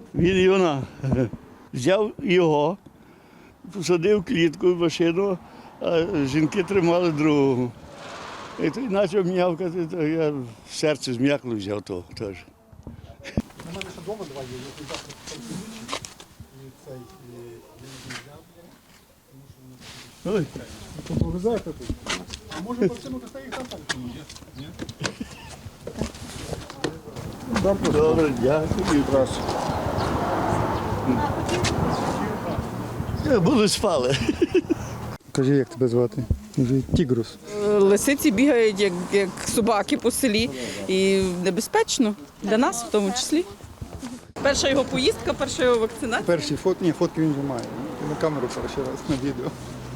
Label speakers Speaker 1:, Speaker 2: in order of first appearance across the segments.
Speaker 1: Він його взяв його, посадив в клітку в машину, а жінки тримали другого. І той почав м'явкати, то я в серце зм'якло взяв того теж.
Speaker 2: У мене ще вдома два є, я завтра і цей,
Speaker 1: Ой.
Speaker 2: повезете тут. А може повсюду дасте їх там? Ні?
Speaker 1: Добре, дякую. Були спали.
Speaker 2: Кажи, як тебе звати? Тігрус.
Speaker 3: Лисиці бігають, як собаки по селі, і небезпечно для нас в тому числі. Перша його поїздка, перша його вакцинація.
Speaker 2: Перші фотки він вже має. На камеру перший раз, на відео.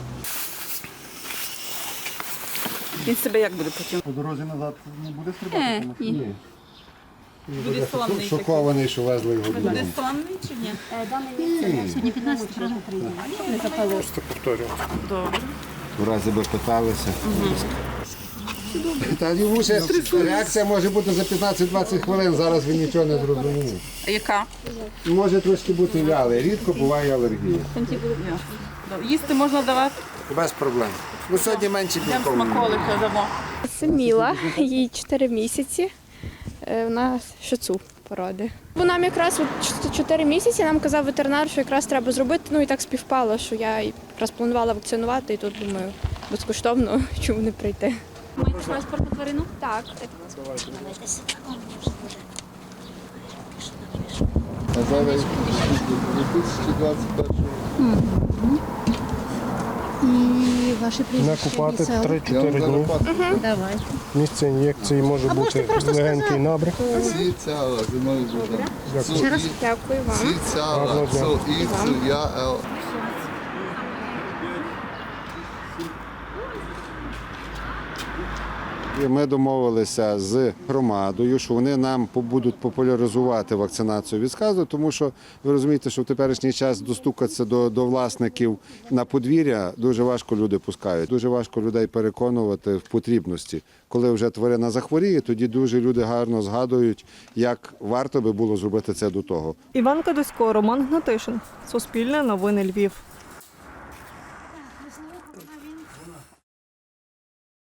Speaker 3: Він себе як буде потім?
Speaker 2: По дорозі назад не буде стрибати?
Speaker 3: Ні. Буде славний такий.
Speaker 4: Шокований, що везли його додому.
Speaker 3: Буде славний чи ні?
Speaker 5: Сьогодні 15 разів прийде. Не запало.
Speaker 4: Просто повторюю.
Speaker 3: Добре.
Speaker 4: В разі би питалися. Та йому ще реакція може бути за 15-20 хвилин, зараз він нічого не зрозуміє.
Speaker 3: А яка?
Speaker 4: Може трошки бути вялий, рідко буває алергія.
Speaker 3: Добре. Їсти можна давати?
Speaker 4: Без проблем. Ну сьогодні менше
Speaker 3: Йдемо
Speaker 4: білково.
Speaker 3: смаколики дамо.
Speaker 6: Це Міла, їй 4 місяці. Вона шицу породи. Бо нам якраз 4 місяці нам казав ветеринар, що якраз треба зробити. Ну і так співпало, що я якраз планувала вакцинувати, і тут думаю, безкоштовно, чому не прийти.
Speaker 5: Маєте паспорт тварину?
Speaker 6: Так.
Speaker 4: А зараз 2021
Speaker 5: І ваші прізвища.
Speaker 7: Накупати
Speaker 5: місця?
Speaker 7: 3-4 дні.
Speaker 5: Давай.
Speaker 7: Місце ін'єкції може
Speaker 5: А можете
Speaker 7: бути
Speaker 5: просто
Speaker 7: легенький
Speaker 5: сказати?
Speaker 7: набряк.
Speaker 5: Ще раз.
Speaker 6: Дякую вам.
Speaker 7: Гарного дня.
Speaker 4: Ми домовилися з громадою, що вони нам будуть популяризувати вакцинацію від сказу, тому що ви розумієте, що в теперішній час достукатися до власників на подвір'я дуже важко люди пускають. Дуже важко людей переконувати в потрібності. Коли вже тварина захворіє, тоді дуже люди гарно згадують, як варто би було зробити це до того.
Speaker 8: Іван Кадусько, Роман Гнатишин. Суспільне новини Львів.